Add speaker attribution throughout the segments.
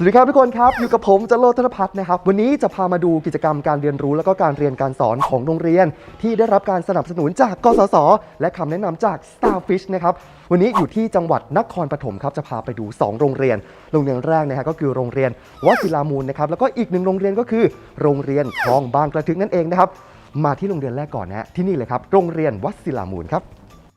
Speaker 1: สวัสดีครับทุกคนครับอยู่กับผมจโรจน์ ธนภัทรนะครับวันนี้จะพามาดูกิจกรรมการเรียนรู้และก็การเรียนการสอนของโรงเรียนที่ได้รับการสนับสนุนจากกสศและคำแนะนำจาก Starfish นะครับวันนี้อยู่ที่จังหวัดนครปฐมครับจะพาไปดู2โรงเรียนแรกนะฮะก็คือโรงเรียนวศิลามูลนะครับแล้วก็อีก1โรงเรียนก็คือโรงเรียนคลองบางกระทึกนั่นเองนะครับมาที่โรงเรียนแรกก่อนนะฮะที่นี่เลยครับโรงเรียนวศิลามูลครับ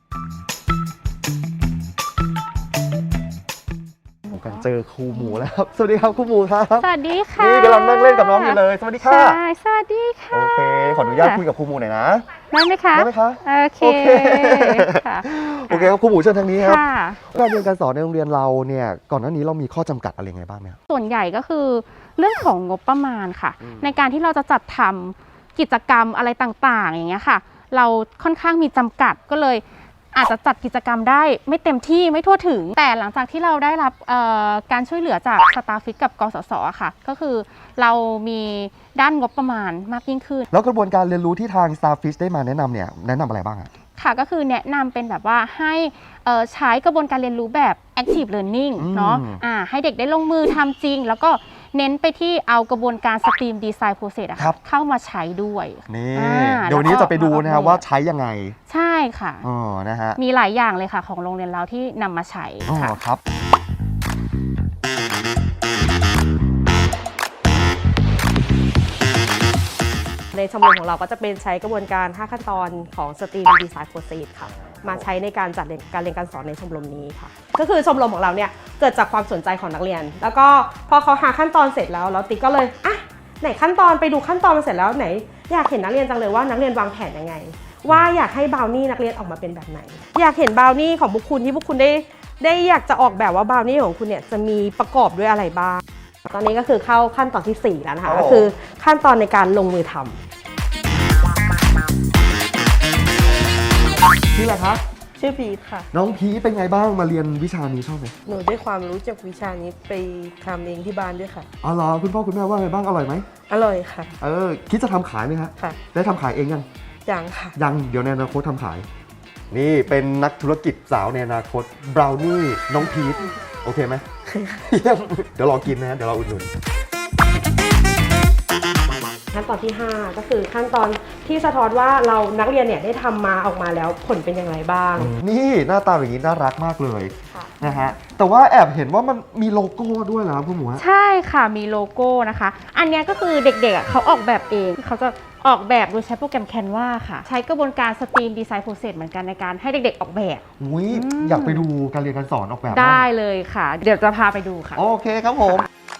Speaker 1: เจอครูหมูแล้วครับสวัสดีครับครูหมูครับ
Speaker 2: สวัสดีค่ะ
Speaker 1: นี่กำลังนั่งเล่นกับน้องอยู่เลยสวัสดีค่ะ
Speaker 2: ใช่สวัสดีค่ะ
Speaker 1: โอเคขออนุญาตคุยกับครูหมูหน่อยนะ
Speaker 2: ได้ไหมคะ
Speaker 1: ได้ไหมคะ
Speaker 2: โอเคค่ะ
Speaker 1: โอเคครับครูหมูเชิญทางนี้ครับ
Speaker 2: ค่ะ
Speaker 1: การเรียนการสอนในโรงเรียนเราเนี่ยก่อนหน้านี้เรามีข้อจำกัดอะไรไงบ้างไหม
Speaker 2: ส่วนใหญ่ก็คือเรื่องของงบประมาณค่ะในการที่เราจะจัดทำกิจกรรมอะไรต่างๆอย่างเงี้ยค่ะเราค่อนข้างมีจำกัดก็เลยอาจจะจัดกิจกรรมได้ไม่เต็มที่ไม่ทั่วถึงแต่หลังจากที่เราได้รับการช่วยเหลือจาก Starfish กับกสศค่ะก็คือเรามีด้านงบประมาณมากยิ่งขึ้น
Speaker 1: แล้วกระบวนการเรียนรู้ที่ทาง Starfish ได้มาแนะนำเนี่ยแนะนำอะไรบ้างอะ
Speaker 2: ค่ะก็คือแนะนำเป็นแบบว่าให้ใช้กระบวนการเรียนรู้แบบ active learning เนาะให้เด็กได้ลงมือทำจริงแล้วก็เน้นไปที่เอากระบวนการ STEAM Design Process เข้ามาใช้ด้วย
Speaker 1: นี่เดี๋ยวนี้จะไปดูนะครับว่าใช้ยังไง
Speaker 2: ใช่ค่ะ
Speaker 1: นะฮะ
Speaker 2: มีหลายอย่างเลยค่ะของโรงเรียนเราที่นำมาใช้ค่ะ
Speaker 1: ครับ
Speaker 3: ในชมรมของเราก็จะเป็นใช้กระบวนการ 5 ขั้นตอนของ STEAM Design Process ค่ะมาใช้ในการจัดการเรียนการสอนในชมรมนี้ค่ะก็คือชมรมของเราเนี่ยเกิดจากความสนใจของนักเรียนแล้วก็พอเขาหาขั้นตอนเสร็จแล้วติ๊กก็เลยไหนขั้นตอนไปดูขั้นตอนมาเสร็จแล้วไหนอยากเห็นนักเรียนจังเลยว่านักเรียนวางแผนยังไงว่าอยากให้บราวนี่นักเรียนออกมาเป็นแบบไหนอยากเห็นบราวนี่ของพวกคุณที่พวกคุณได้อยากจะออกแบบว่าบราวนี่ของคุณเนี่ยจะมีประกอบด้วยอะไรบ้างตอนนี้ก็คือเข้าขั้นตอนที่4แล้วนะคะก็คือขั้นตอนในการลงมือทำ
Speaker 1: ชื่ออะไรคะ
Speaker 3: ชื่อพีทค่ะ
Speaker 1: น้องพีทเป็นไงบ้างมาเรียนวิชานี้ชอบไหม
Speaker 3: หนูได้ความรู้จากวิชานี้ไปทำเองที่บ้านด้วยค่ะ
Speaker 1: อ๋อเหรอคุณพ่อคุณแม่ว่าไงบ้างอร่อยไหม
Speaker 3: อร่อยค่ะ
Speaker 1: คิดจะทำขายไหมคะ
Speaker 3: ค่ะ
Speaker 1: ได้ทำขายเอง
Speaker 3: ยังค่ะ
Speaker 1: ยังเดี๋ยวในอนาคตทำขายนี่เป็นนักธุรกิจสาวในอนาคตบราวนี่น้องพีทโอเคไหมเดี๋ยวรอกินนะเดี๋ยวเราอุดหนุน
Speaker 3: ขั้นตอนที่5ก็คือขั้นตอนที่สะท้อนว่าเรานักเรียนเนี่ยได้ทำมาออกมาแล้วผลเป็นอย่างไรบ้าง
Speaker 1: นี่หน้าตาอย่างนี้น่ารักมากเลยนะฮะแต่ว่าแอบเห็นว่ามันมีโลโก้ด้วยเหรอครับคุณหมู
Speaker 2: ใช่ค่ะมีโลโก้นะคะอันนี้ก็คือเด็กๆเขาออกแบบเองเขาจะออกแบบโดยใช้โปรแกรม Canva ค่ะใช้กระบวนการ STEAM Design Process เหมือนกันในการให้เด็กๆออกแบบ
Speaker 1: อยากไปดูการเรียนการสอนออกแบบ
Speaker 2: ได้เลยค่ะเดี๋ยวจะพาไปดูค่ะ
Speaker 1: โอเคครับผม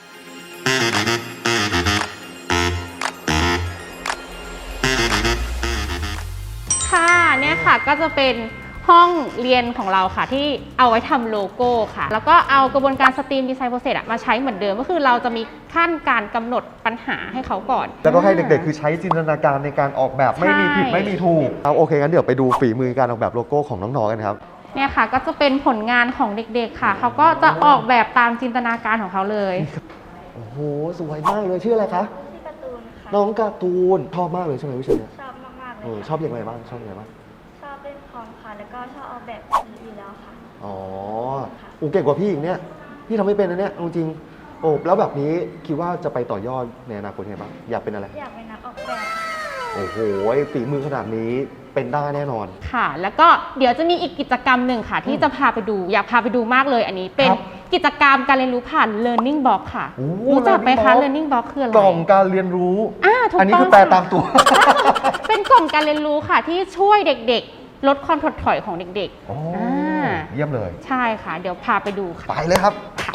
Speaker 2: ค่ะเนี่ยค่ะก็จะเป็นห้องเรียนของเราค่ะที่เอาไว้ทำโลโก้ค่ะแล้วก็เอากระบวนการ STEAM Design Process มาใช้เหมือนเดิมก็คือเราจะมีขั้นการกำหนดปัญหาให้เขาก่อน
Speaker 1: แล้วก็ให้เด็กๆคือใช้จินตนาการในการออกแบบไม่มีผิดไม่มีถูกโอเคงั้นเดี๋ยวไปดูฝีมือการออกแบบโลโก้ของน้องๆกันครับ
Speaker 2: เนี่ยค่ะก็จะเป็นผลงานของเด็กๆค่ะเขาก็จะออกแบบตามจินตนาการของเขาเลย
Speaker 1: โอ้โหสวยมากเลยชื่ออะไรคะ
Speaker 4: การ์ตูนค่ะ
Speaker 1: น้องการ์ตูนชอบมากเลยใช่ไหมวิชานี้
Speaker 4: ชอบมากๆเลย
Speaker 1: ชอบอย่างไรบ้างชอบอย่างไรบ้าง
Speaker 4: ชอบเล่นคอมค่ะแล้วก็ชอบออกแบบอยู่แล้วค่ะ
Speaker 1: เก่งกว่าพี่อีกเนี่ยพี่ทำไม่เป็นนะเนี่ยจริงแล้วแบบนี้คิดว่าจะไปต่อยอดในอนาคตยังไงบ้างอยากเป็นอะไร
Speaker 4: อยากเป็นนักออกแบบ
Speaker 1: โอ้โหฝีมือขนาดนี้เป็นได้แน่นอน
Speaker 2: ค่ะแล้วก็เดี๋ยวจะมีอีกกิจกรรมหนึ่งค่ะที่จะพาไปดูอยากพาไปดูมากเลยอันนี้เป็นกิจกรรมการเรียนรู้ผ่าน Learning Box ค่ะรู้จักไหมคะ Learning Box คืออะไร
Speaker 1: กล่องการเรียนรู้
Speaker 2: อั
Speaker 1: นนี้คือแปลตามตัว
Speaker 2: เป็นกล่องการเรียนรู้ค่ะที่ช่วยเด็กๆลดความถดถอยของเด็ก
Speaker 1: ๆเยี่ยมเลย
Speaker 2: ใช่ค่ะเดี๋ยวพาไปดูค่ะ
Speaker 1: ไปเลยครับ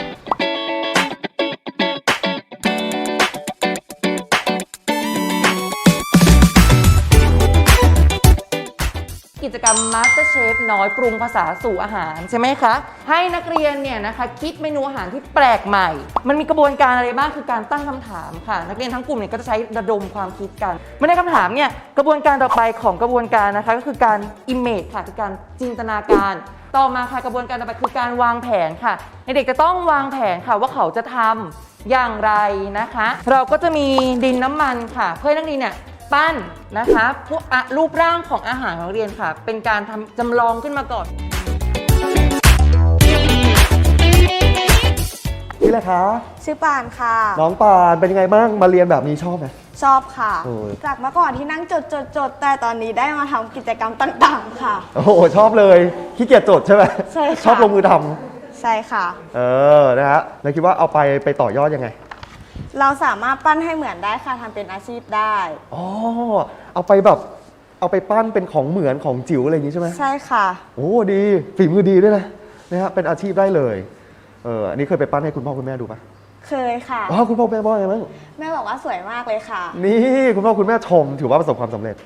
Speaker 5: กิจกรรม Master Chef น้อยปรุงภาษาสู่อาหารใช่ไหมคะให้นักเรียนเนี่ยนะคะคิดเมนูอาหารที่แปลกใหม่มันมีกระบวนการอะไรบ้างคือการตั้งคำถามค่ะนักเรียนทั้งกลุ่มเนี่ยก็จะใช้ระดมความคิดกันเมื่อได้คำถามเนี่ยกระบวนการต่อไปของกระบวนการนะคะก็คือการ image ค่ะคือการจินตนาการต่อมาค่ะกระบวนการต่อไปคือการวางแผนค่ะเด็กๆจะต้องวางแผนค่ะว่าเขาจะทำอย่างไรนะคะเราก็จะมีดินน้ำมันค่ะเพื่อให้นักเรียนเนี่ยปั้นนะคะพวกรูปร่างของอาหารของเรียนค่ะเป็นการทำจำลองขึ้นมาก่อน
Speaker 1: ชื่ออะไรคะ
Speaker 6: ชื่อปานค่ะ
Speaker 1: น้องปานเป็นยังไงบ้างมาเรียนแบบนี้ชอบไหม
Speaker 6: ชอบค่ะ
Speaker 1: โอ้ย
Speaker 6: จากเมื่อก่อนที่นั่งจดแต่ตอนนี้ได้มาทำกิจกรรมต่างๆค่ะ
Speaker 1: โอ้โหชอบเลยขี้เกียจจดใช่ไหม
Speaker 6: ใช่ค่ะ
Speaker 1: ชอบลงมือท
Speaker 6: ใช่ค่ะ
Speaker 1: ำนะฮะแล้วคิดว่าเอาไปต่อยอดยังไง
Speaker 6: เราสามารถปั้นให้เหมือนได้ค่ะทำเป็นอาชีพได้
Speaker 1: อ๋อเอาไปแบบเอาไปปั้นเป็นของเหมือนของจิ๋วอะไรอย่างนี้ใช่ไหม
Speaker 6: ใช่ค่ะ
Speaker 1: โอ้ดีฝีมือดีด้วยนะฮะเป็นอาชีพได้เลยอันนี้เคยไปปั้นให้คุณพ่อคุณแม่ดูปะ
Speaker 6: เคยค่ะ
Speaker 1: อ๋อคุณพ่อคุณแม่บอกไงบ้าง
Speaker 6: แม่บอกว่าสวยมากเลยค่ะ
Speaker 1: นี่คุณพ่อคุณแม่ชมถือว่าประสบความสำเร็จ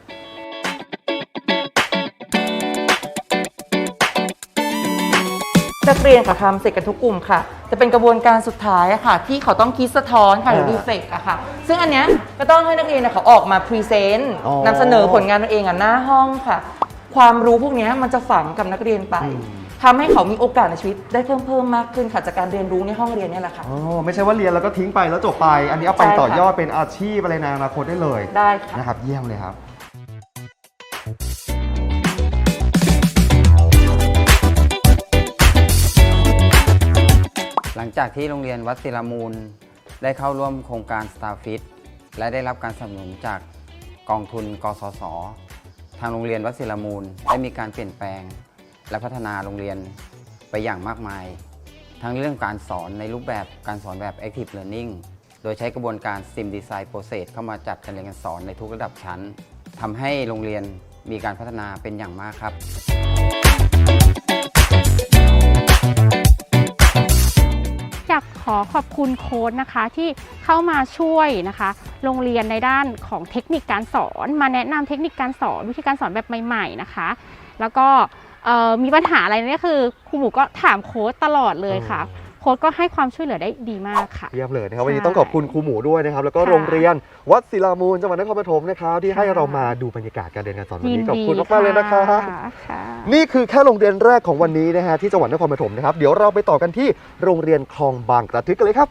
Speaker 5: นักเรียนค่ะทำเสร็จกันทุกกลุ่มค่ะ จะเป็นกระบวนการสุดท้ายอะค่ะ ที่เขาต้องคิดสะท้อนค่ะหรือรีเฟกอะค่ะ ซึ่งอันเนี้ยก็ต้องให้นักเรียนเนี่ยเขาออกมาพรีเซนต์
Speaker 1: อ๋อ
Speaker 5: นำเสนอผลงานตัวเองอะหน้าห้องค่ะ ความรู้พวกเนี้ยมันจะฝังกับนักเรียนไปทำให้เขามีโอกาสในชีวิตได้เพิ่มมากขึ้นค่ะจากการเรียนรู้ในห้องเรียนเนี่ยแหละค่ะ
Speaker 1: อ๋อไม่ใช่ว่าเรียนแล้วก็ทิ้งไปแล้วจบไป อันนี้เอาไป
Speaker 5: ใช่ค่ะ
Speaker 1: ต่อยอดเป็นอาชีพอะไรในอนาคตได้เลย
Speaker 5: ได้ค่ะ
Speaker 1: นะครับเยี่ยมเลยครับ
Speaker 7: หลังจากที่โรงเรียนวัดศิลามูลได้เข้าร่วมโครงการ Starfit และได้รับการสนับสนุนจากกองทุนกสศทางโรงเรียนวัดศิลามูลได้มีการเปลี่ยนแปลง และพัฒนาโรงเรียนไปอย่างมากมาย ทั้งเรื่องการสอนในรูปแบบการสอนแบบ Active Learning โดยใช้กระบวนการ STEM Design Process เข้ามาจัดการเรียนการสอนในทุกระดับชั้นทำให้โรงเรียนมีการพัฒนาเป็นอย่างมากครับ
Speaker 2: อยากขอขอบคุณโค้ชนะคะที่เข้ามาช่วยนะคะโรงเรียนในด้านของเทคนิคการสอนมาแนะนำเทคนิคการสอนวิธีการสอนแบบใหม่ๆนะคะ แล้วก็มีปัญหาอะไรเนี่ยคือครูหมูก็ถามโค้ชตลอดเลยค่ะ โค้ชก็ให้ความช่วยเหลือได้ดีมากค่ะ
Speaker 1: เยี่ยมเลยนะครับ
Speaker 2: ใช่
Speaker 1: วันนี้ต้องขอบคุณครูหมูด้วยนะครับ แล้วก็
Speaker 2: ค่ะ
Speaker 1: โรงเรียนวัดศิลามูลจังหวัดนครปฐมนะครับที่ให้เรามาดูบรรยากาศการเรียนการสอนวัน
Speaker 2: ยิน
Speaker 1: นี้ขอบ
Speaker 2: ดี
Speaker 1: คุณมากๆเลยนะครับ
Speaker 2: ค่ะ
Speaker 1: นี่คือแค่โรงเรียนแรกของวันนี้นะฮะที่จังหวัดนครปฐมนะครับเดี๋ยวเราไปต่อกันที่โรงเรียนคลองบางกระทึกกันเลยครับ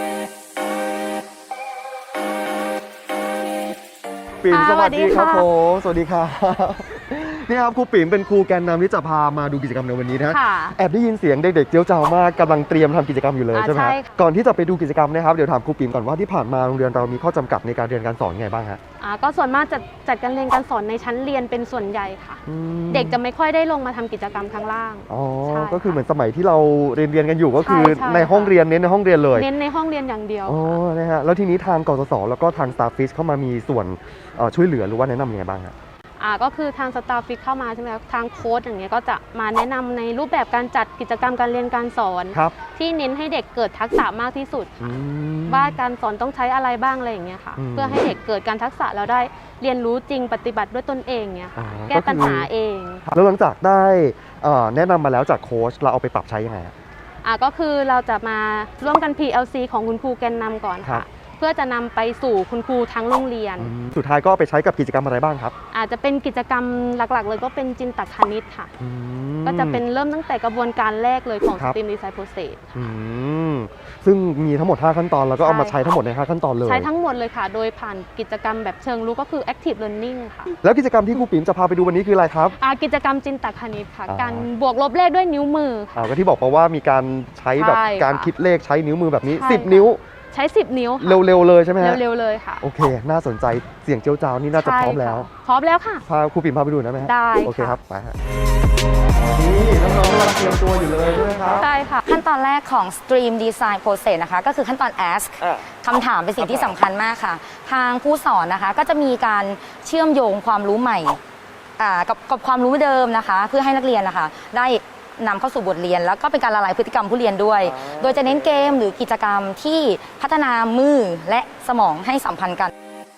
Speaker 1: ปิ่มสวัสดีครับผมสวัสดีครับนี่ครับครูปิ่มเป็นครูแกนนำที่จะพามาดูกิจกรรมในวันนี้นะ
Speaker 2: ค่ะ
Speaker 1: แอบได้ยินเสียงเด็กๆเจียวจ้าวมากกำลังเตรียมทำกิจกรรมอยู่เลยใช่ไหม
Speaker 2: ใช่
Speaker 1: ฮะ
Speaker 2: ค่ะ
Speaker 1: ก่อนที่จะไปดูกิจกรรมนะครับเดี๋ยวถามครูปิ่มก่อนว่าที่ผ่านมาโรงเรียนเรามีข้อจำกัดในการเรียนการสอนยังไงบ้างฮะ
Speaker 8: ก็ส่วนมากจะจัดการเรียนการสอนในชั้นเรียนเป็นส่วนใหญ่ค่ะ
Speaker 1: อืม
Speaker 8: เด็กจะไม่ค่อยได้ลงมาทำกิจกรรมข้างล่าง
Speaker 1: อ๋อ
Speaker 8: ใช่
Speaker 1: ก็คือเหมือนสมัยที่เราเรียนกันอยู่ก็คือ
Speaker 8: ใช่
Speaker 1: ในห้องเรียนเน้นในห้องเรียนเลย
Speaker 8: เน้นในห้องเรียนอย่างเดียว
Speaker 1: อ๋อนะฮะแล้วทีนี้ทางกสศแล้วก็ทาง Starfish เข้ามามีส่วนช่วยเหลือหรือว่าแนะนำยังไงบ้างฮะ
Speaker 8: ก็คือทางสตาฟฟิกเข้ามาใช่ไหมคะทางโค้ชอย่างเงี้ยก็จะมาแนะนำในรูปแบบการจัดกิจกรรมการเรียนการสอน
Speaker 1: ครับ
Speaker 8: ที่เน้นให้เด็กเกิดทักษะมากที่สุด
Speaker 1: อืม
Speaker 8: ว่าการสอนต้องใช้อะไรบ้างอะไรอย่างเงี้ยค่ะ
Speaker 1: อืม
Speaker 8: เพื่อให้เด็กเกิดการทักษะแล้วได้เรียนรู้จริงปฏิบัติด้วยตนเองเนี่ยค่ะ
Speaker 1: อ๋อ
Speaker 8: แก้ปัญหาเอง
Speaker 1: แล้วหลังจากได้แนะนำมาแล้วจากโค้ชเราเอาไปปรับใช้ยังไงฮะ
Speaker 8: ก็คือเราจะมาร่วมกัน PLC ของคุณครูแกนนำก่อน
Speaker 1: ครั
Speaker 8: ค่ะ
Speaker 1: บ
Speaker 8: เพื่อจะนำไปสู่คุณครูทั้งโรงเรียน
Speaker 1: สุดท้ายก็เอาไปใช้กับกิจกรรมอะไรบ้างครับ
Speaker 8: อาจจะเป็นกิจกรรมหลักๆ เลยก็เป็นจินตคณิตค่ะ
Speaker 1: อืม
Speaker 8: ก็จะเป็นเริ่มตั้งแต่กระบวนการแรกเลยของ
Speaker 1: ครับ
Speaker 8: STEAM Design Process
Speaker 1: อืมซึ่งมีทั้งหมด 5 ขั้นตอนแล้วก็เอามา
Speaker 8: ใช่
Speaker 1: ใช้ทั้งหมดใน 5 ขั้นตอนเลย
Speaker 8: ใช้ทั้งหมดเลยค่ะ โดยผ่านกิจกรรมแบบเชิงรู้ก็คือ Active Learning ค่ะ
Speaker 1: แล้วกิจกรรมที่ครูปิ๋มจะพาไปดูวันนี้คืออะไรครับ
Speaker 8: กิจกรรมจินตคณิตค่ะ
Speaker 1: อ่า
Speaker 8: การบวกลบเลขด้วยนิ้วมือค่ะ
Speaker 1: ก็ที่บอกไปว่ามีการใช้แบบ
Speaker 8: ใช่ค่ะ
Speaker 1: การคิดเลขใช้นิ้วมือแบบนี้
Speaker 8: ใช่
Speaker 1: 10 นิ้ว
Speaker 8: ใช้ 10 นิ้วค่ะ
Speaker 1: เร็วๆเลยใช่ไหมฮะ
Speaker 8: เร็วๆเลยค่ะ
Speaker 1: โอเค น่าสนใจเสียงเจียวจ้าวนี่น่าจะพร้อมแล้ว
Speaker 8: ใช่ค่ะพร้อมแล้วค่ะ
Speaker 1: พาครูปิ่มพาไปดูได้ไหมฮะ
Speaker 8: ได้
Speaker 1: โอเค
Speaker 8: ค่ะ
Speaker 1: ครับไปฮะนี่น้องๆกำลังเตรียมตัวอยู่เลยใช่ไหมครับ
Speaker 8: ใช่ค่ะ
Speaker 9: ขั้นตอนแรกของ Stream Design Process นะคะก็คือขั้นตอน Ask คำถามเป็นสิ่งที่สำคัญมากค่ะ ทางผู้สอนนะคะก็จะมีการเชื่อมโยงความรู้ใหม่กับความรู้เดิมนะคะ เพื่อให้นักเรียนนะคะได้นำเข้าสู่บทเรียน แล้วก็เป็นการละลายพฤติกรรมผู้เรียนด้วย โดยจะเน้นเกมหรือกิจกรรมที่พัฒนามือและสมองให้สัมพันธ์กัน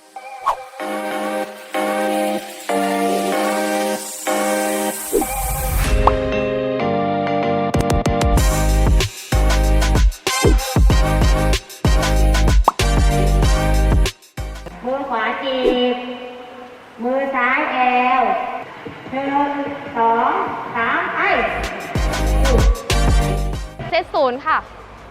Speaker 10: มือขวาจีบ มือซ้ายแอว1 2 3ไป
Speaker 8: เซต0ค่ะ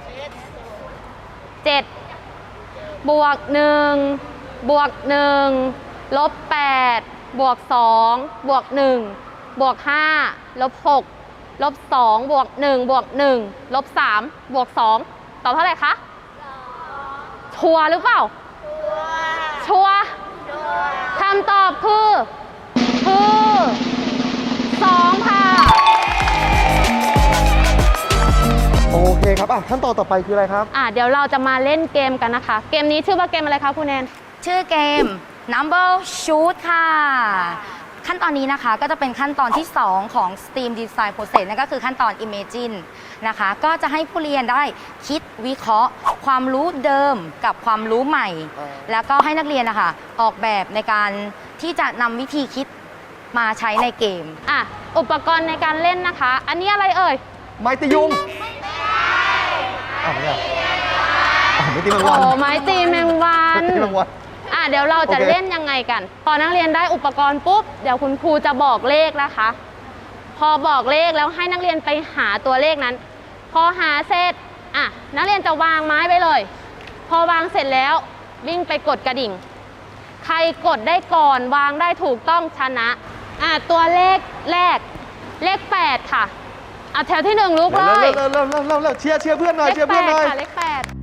Speaker 8: 7บวก1บวก1ลบ8บวก2บวก1บวก5ลบ6ลบ2บวก1บวก1ลบ3บวก2 ตอบเท่าไหร่คะชัวร์หรือเปล่าชัวร์คำตอบคือ2ค่ะ
Speaker 1: โอเคครับขั้นตอนต่อไปคืออะไรครับ
Speaker 8: เดี๋ยวเราจะมาเล่นเกมกันนะคะ เกมนี้ชื่อว่าเกมอะไรคะคุณแนน
Speaker 9: ชื่อเกม Number Shoot ค่ะ ขั้นตอนนี้นะคะก็จะเป็นขั้นตอนที่ 2 ของ STEAM Design Process นั่นก็คือขั้นตอน Imagine นะคะ ก็จะให้ผู้เรียนได้คิดวิเคราะห์ ความรู้เดิมกับความรู้ใหม่ แล้วก็ให้นักเรียนนะคะออกแบบในการที่จะนำวิธีคิดมาใช้ในเกม
Speaker 8: อุปกรณ์ในการเล่นนะคะ อันนี้อะไรเอ่ย
Speaker 1: ไม้ตียุงไม่ไม่ตีแมงวัน
Speaker 8: ไม้ตีแมงวัน
Speaker 1: ตีแมงวัน
Speaker 8: เดี๋ยวเราจะ
Speaker 1: โอเค
Speaker 8: เล่นยังไงกัน พอนักเรียนได้อุปกรณ์ปุ๊บ เดี๋ยวคุณครูจะบอกเลขนะคะ พอบอกเลขแล้วให้นักเรียนไปหาตัวเลขนั้น พอหาเสร็จนักเรียนจะวางไม้ไปเลย พอวางเสร็จแล้ววิ่งไปกดกระดิ่ง ใครกดได้ก่อนวางได้ถูกต้องชนะตัวเลขแรกเลข 8 ค่ะแถวที่ 1ลุกเลย
Speaker 1: เร็วเชียร์เพื่อนหน่อยเชียร์เพื่อนหน่อย
Speaker 8: เลข 8 ค่ะเลข 8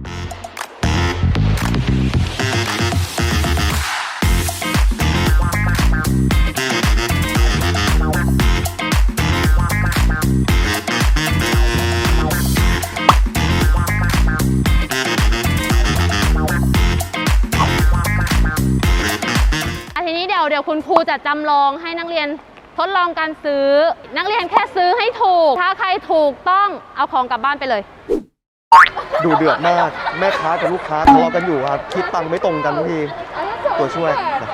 Speaker 8: ทีนี้เดี๋ยวคุณครูจะจำลองให้นักเรียนทดลองการซื้อ นักเรียนแค่ซื้อให้ถูก ถ้าใครถูกต้องเอาของกลับบ้านไปเลย
Speaker 1: ดูเดือดมากแม่ค้ากับลูกค้าทะเลาะกันอยู่ครับคิดตังค์ไม่ตรงกันทุกทีตัวช่วย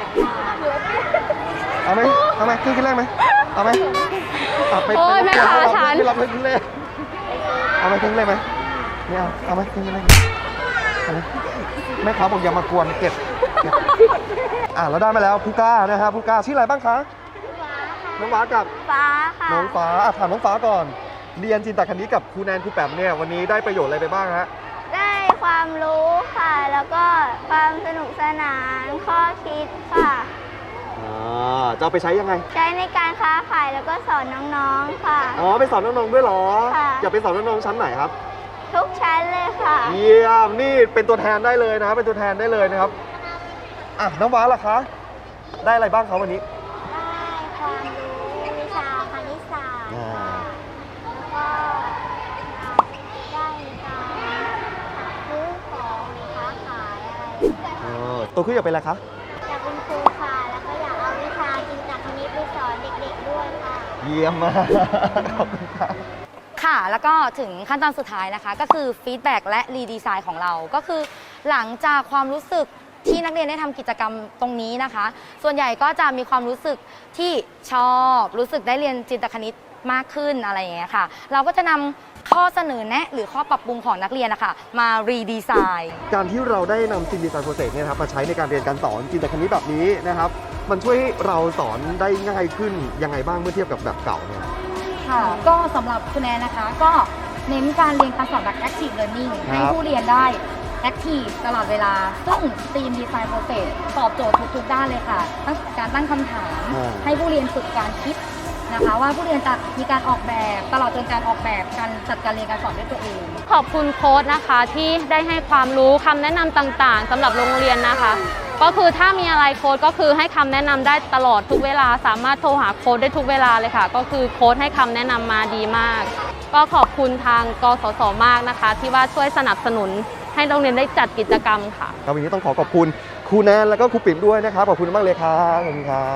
Speaker 1: เอาไหมครึ่งแรกไหมเอาไหมไป
Speaker 8: โอ้ยแม่ค้าฉัน
Speaker 1: ไม่รับครึ่งแรกเอาไหมครึ่งแรกไหมไม่เอาไหมครึ่งแรกเอาไหมแม่ค้าบอกอย่ามากวนเก็บเราได้มาแล้วผู้กล้านะครับผู้กล้าชื่ออะไรบ้างคะน้องฟ้ากับ
Speaker 6: ฟ้าค่ะ
Speaker 1: น้องฟ้าถามน้องฟ้าก่อนเรียนจินตคณิตกับครูแนนครูแปมเนี่ยวันนี้ได้ประโยชน์อะไรไปบ้างฮะ
Speaker 6: ได้ความรู้ค่ะ แล้วก็ความสนุกสนาน ข้อคิดค่ะ
Speaker 1: จะเอาไปใช้ยังไง
Speaker 6: ใช้ในการค้าขายแล้วก็สอนน้องๆค่ะ
Speaker 1: ไปสอนน้องๆด้วยเหรอ
Speaker 6: ค่ะ
Speaker 1: อยากไปสอนน้องๆชั้นไหนครับ
Speaker 6: ทุกชั้นเลยค่ะ
Speaker 1: เยี่ยมนี่เป็นตัวแทนได้เลยนะครับเป็นตัวแทนได้เลยนะครับน้องฟ้าล่ะคะได้อะไรบ้างครับวันนี้
Speaker 6: ได้ความรู้วิชาคณิตศาสตร์ค่ะแล้วก็ได้การซื้อของค้าขายอะไร
Speaker 1: ตัวขึ้นอยากเป็นอะไรคะ
Speaker 6: อยากเป็นครูค่ะ แล้วก็อยากเอาวิชาจินตคณิตไปสอนเด็กๆด้วยค่ะ
Speaker 1: เยี่ยมมากขอบคุณครับ
Speaker 9: ค่ะ แล้วก็ถึงขั้นตอนสุดท้ายนะคะ ก็คือฟีดแบ็กและรีดีไซน์ของเรา ก็คือหลังจากความรู้สึกที่นักเรียนได้ทำกิจกรรมตรงนี้นะคะ ส่วนใหญ่ก็จะมีความรู้สึกที่ชอบรู้สึกได้เรียนจินตคณิตมากขึ้นอะไรอย่างเงี้ยค่ะ เราก็จะนำข้อเสนอแนะหรือข้อปรับปรุงของนักเรียนนะคะมารีดีไซน์
Speaker 1: การที่เราได้นำSTEAM Design Process เนี่ยครับมาใช้ในการเรียนการสอนจินตคณิตแบบนี้นะครับมันช่วยให้เราสอนได้ง่ายขึ้นยังไงบ้างเมื่อเทียบกับแบบเก่าเนี่ย
Speaker 9: ค่ะก็สำหรับคุณแนนนะคะก็เน้นการเรียนการสอนแบบ active learning ให้ผู้เรียนได้ active ตลอดเวลา ซึ่ง STEAM Design Process ตอบโจทย์ทุกๆด้านเลยค่ะตั้งแต่การตั้งคำถาม ให้ผู้เรียนฝึกการคิดนะคะว่าผู้เรียนจะมีการออกแบบตลอดจนการออกแบบการจัดการเรียนการสอนด้วยตัวเอง
Speaker 8: ขอบคุณโค้ชนะคะที่ได้ให้ความรู้คำแนะนำต่างๆสำหรับโรงเรียนนะคะ ก็คือถ้ามีอะไรโค้ชก็คือให้คำแนะนำได้ตลอดทุกเวลาสามารถโทรหาโค้ชได้ทุกเวลาเลยค่ะ ก็คือโค้ชให้คำแนะนำมาดีมาก ก็ขอบคุณทางกสศมากนะคะ ที่ว่าช่วยสนับสนุนให้โรงเรียนได้จัดกิจกรรมค่ะ
Speaker 1: ครับวันนี้ต้องขอบคุณครูแนนแล้วก็ครูปิ่มด้วยนะครับขอบคุณมากเลยครับขอบคุณครับ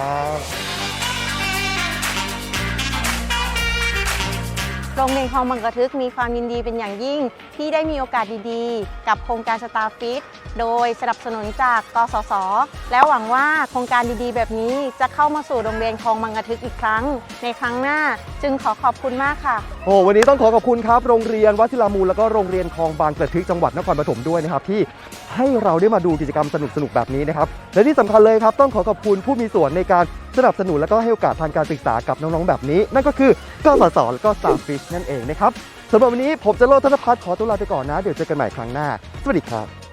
Speaker 11: โรงเรียนคลองบางกระทึกมีความยินดีเป็นอย่างยิ่งที่ได้มีโอกาสดีๆ กับโครงการสตาร์ฟิตโดยสนับสนุนจากกสศแล้วหวังว่าโครงการดีๆแบบนี้จะเข้ามาสู่โรงเรียนคลองบางกระทึกอีกครั้งในครั้งหน้าจึงขอบคุณมากค่ะ
Speaker 1: วันนี้ต้องขอบคุณครับโรงเรียนวชิรามูลแล้วก็โรงเรียนคลองบางกระทึกจังหวัดนครปฐมด้วยนะครับที่ให้เราได้มาดูกิจกรรมสนุกๆแบบนี้นะครับและที่สำคัญเลยครับต้องขอบคุณผู้มีส่วนในการสนับสนุนและก็ให้โอกาสทางการศึกษากับน้องๆแบบนี้นั่นก็คือกสศและก็ Starfish นั่นเองนะครับสำหรับวันนี้ผมจะโลดธนภัทรขอตัวลาไปก่อนนะเดี๋ยวเจอกันใหม่ครั้งหน้าสวัสดีครับ